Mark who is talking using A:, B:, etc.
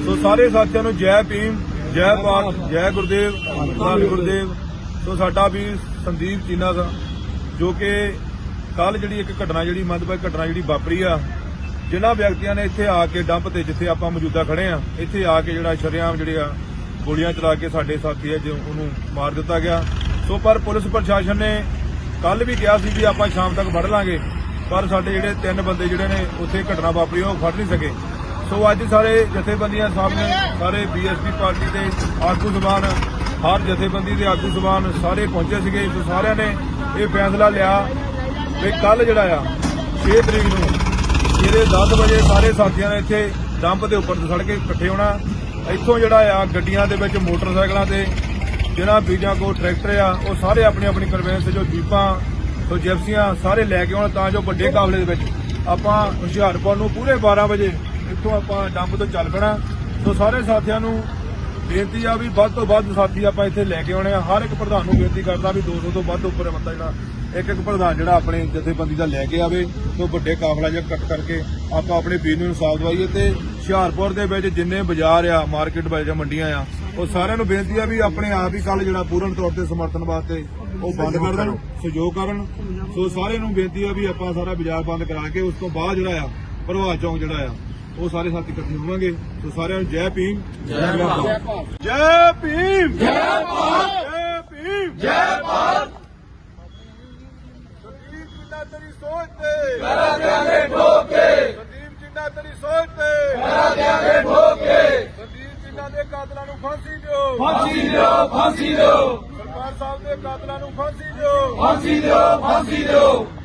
A: ਸੋ ਸਾਰੇ ਸਾਥੀਆਂ ਨੂੰ ਜੈ ਭੀਮ, ਜੈ ਭਾਰਤ, ਜੈ ਗੁਰਦੇਵ, ਧੰਨ ਗੁਰਦੇਵ। ਸੋ ਸਾਡਾ ਵੀ ਸੰਦੀਪ ਚੀਨਾ ਦਾ ਜੋ ਕਿ ਕੱਲ ਜਿਹੜੀ ਇੱਕ ਘਟਨਾ ਜਿਹੜੀ ਮੰਦਭਾਗੀ ਘਟਨਾ ਜਿਹੜੀ ਵਾਪਰੀ ਆ, ਜਿਨ੍ਹਾਂ ਵਿਅਕਤੀਆਂ ਨੇ ਇੱਥੇ ਆ ਕੇ ਡੰਪ ਤੇ ਜਿੱਥੇ ਆਪਾਂ ਮੌਜੂਦਾ ਖੜੇ ਆ, ਇੱਥੇ ਆ ਕੇ ਜਿਹੜਾ ਸ਼ਰੇਆਮ ਜਿਹੜੇ ਆ ਗੋਲੀਆਂ ਚਲਾ ਕੇ ਸਾਡੇ ਸਾਥੀ ਆ ਜੋ ਉਹਨੂੰ ਮਾਰ ਦਿੱਤਾ ਗਿਆ। ਸੋ ਪਰ ਪੁਲਿਸ ਪ੍ਰਸ਼ਾਸਨ ਨੇ ਕੱਲ ਵੀ ਕਿਹਾ ਸੀ ਵੀ ਆਪਾਂ ਸ਼ਾਮ ਤੱਕ ਫੜ ਲਾਂਗੇ, ਪਰ ਸਾਡੇ ਜਿਹੜੇ 3 ਬੰਦੇ ਜਿਹੜੇ ਨੇ ਉੱਥੇ ਘਟਨਾ ਵਾਪਰੀ ਉਹ ਫੜ ਨਹੀਂ ਸਕੇ। ਸੋ ਅੱਜ ਸਾਰੇ ਜਥੇਬੰਦੀਆਂ ਸਾਹਮਣੇ ਸਾਰੇ ਬੀਐਸਪੀ ਪਾਰਟੀ ਦੇ ਆਗੂ ਜ਼ਬਾਨ, ਹਰ ਜਥੇਬੰਦੀ ਦੇ ਆਗੂ ਜ਼ਬਾਨ ਸਾਰੇ ਪਹੁੰਚੇ ਸੀਗੇ। ਸੋ ਸਾਰਿਆਂ ਨੇ ਇਹ ਫੈਸਲਾ ਲਿਆ ਵੀ ਕੱਲ ਜਿਹੜਾ ਆ 6 ਤਰੀਕ ਨੂੰ ਸਵੇਰੇ 10 ਵਜੇ ਸਾਰੇ ਸਾਥੀਆਂ ਨੇ ਇੱਥੇ ਡੰਪ ਦੇ ਉੱਪਰ ਸੜ ਕੇ ਇਕੱਠੇ ਹੋਣਾ। ਇੱਥੋਂ ਜਿਹੜਾ ਆ ਗੱਡੀਆਂ ਦੇ ਵਿੱਚ ਮੋਟਰਸਾਈਕਲਾਂ ਤੇ ਜਿਹਨਾਂ ਬੀਜਾਂ ਕੋਲ ਟਰੈਕਟਰ ਆ ਉਹ ਸਾਰੇ ਆਪਣੀ ਆਪਣੀ ਕਨਵੈਂਸ ਜੋ ਜੀਪਾਂ ਸੋ ਜਿਪਸੀਆਂ ਸਾਰੇ ਲੈ ਕੇ ਆਉਣ ਤਾਂ ਜੋ ਵੱਡੇ ਕਾਫਲੇ ਦੇ ਵਿੱਚ ਆਪਾਂ ਹੁਸ਼ਿਆਰਪੁਰ ਨੂੰ ਪੂਰੇ 12 ਵਜੇ ਇੱਥੋਂ ਆਪਾਂ ਡੰਪ ਤੋਂ ਚੱਲ ਪੈਣਾ। ਸੋ ਸਾਰੇ ਸਾਥੀਆਂ ਨੂੰ ਬੇਨਤੀ ਆ ਵੀ ਵੱਧ ਤੋਂ ਵੱਧ ਸਾਥੀ ਆਪਾਂ ਇੱਥੇ ਲੈ ਕੇ ਆਉਣੇ ਆ। ਹਰ ਇੱਕ ਪ੍ਰਧਾਨ ਨੂੰ ਬੇਨਤੀ ਕਰਦਾ ਵੀ 200 ਤੋਂ ਵੱਧ ਉੱਪਰ ਬੰਦਾ ਜਿਹੜਾ ਇੱਕ ਪ੍ਰਧਾਨ ਜਿਹੜਾ ਆਪਣੇ ਜਥੇਬੰਦੀ ਦਾ ਲੈ ਕੇ ਆਵੇ ਤੋਂ ਵੱਡੇ ਕਾਫਲਾ ਜਿਹਾ ਕੱਟ ਕਰਕੇ ਆਪਾਂ ਆਪਣੇ ਵੀਰ ਨੂੰ ਇਨਸਾਫ ਦਵਾਈਏ। ਤੇ ਹੁਸ਼ਿਆਰਪੁਰ ਦੇ ਵਿੱਚ ਜਿੰਨੇ ਬਾਜ਼ਾਰ ਆ, ਮਾਰਕੀਟ ਬਾਜ਼ਾਰ, ਮੰਡੀਆਂ ਆ, ਉਹ ਸਾਰਿਆਂ ਨੂੰ ਬੇਨਤੀ ਆ ਵੀ ਆਪਣੇ ਆਪ ਹੀ ਕੱਲ ਜਿਹੜਾ ਪੂਰਨ ਤੌਰ ਤੇ ਸਮਰਥਨ ਵਾਸਤੇ ਉਹ ਬੰਦ ਕਰ ਦੇਣ, ਸਹਿਯੋਗ ਕਰਨ। ਸੋ ਸਾਰਿਆਂ ਨੂੰ ਬੇਨਤੀ ਆ ਵੀ ਆਪਾਂ ਸਾਰਾ ਬਾਜ਼ਾਰ ਬੰਦ ਕਰਾ ਕੇ ਉਸ ਤੋਂ ਬਾਅਦ ਜਿਹੜਾ ਆ ਪ੍ਰਭਾਤ ਚੌਂਕ ਜਿਹੜਾ ਆ ਉਹ ਸਾਰੇ ਸਾਥੀ ਇਕੱਠੇ ਹੋਵਾਂਗੇ। ਸੋ ਸਾਰਿਆਂ ਨੂੰ ਜੈ ਭੀਮ, ਜੈ ਭਾਰਤ, ਜੈ ਭੀਮ, ਜੈ ਭਾਰਤ, ਜੈ ਭੀਮ, ਜੈ ਭਾਰਤ। ਸੰਦੀਪ ਜਿੰਨਾ ਤੇਰੀ ਸੋਚ ਤੇ ਕਰਾ ਦਿਆਂਗੇ ਠੋਕ ਕੇ, ਸੰਦੀਪ ਜਿੰਨਾ ਤੇਰੀ ਸੋਚ ਤੇ ਕਰਾ ਦਿਆਂਗੇ ਠੋਕ ਕੇ, ਸੰਦੀਪ ਜਿੰਨਾ ਦੇ ਕਾਤਲਾਂ ਨੂੰ ਫਾਂਸੀ ਦਿਓ, ਫਾਂਸੀ ਦਿਓ, ਫਾਂਸੀ ਦਿਓ, ਸਰਕਾਰ ਸਾਹਿਬ ਦੇ ਕਾਤਲਾਂ ਨੂੰ ਫਾਂਸੀ ਦਿਓ, ਫਾਂਸੀ ਦਿਓ, ਫਾਂਸੀ ਦਿਓ।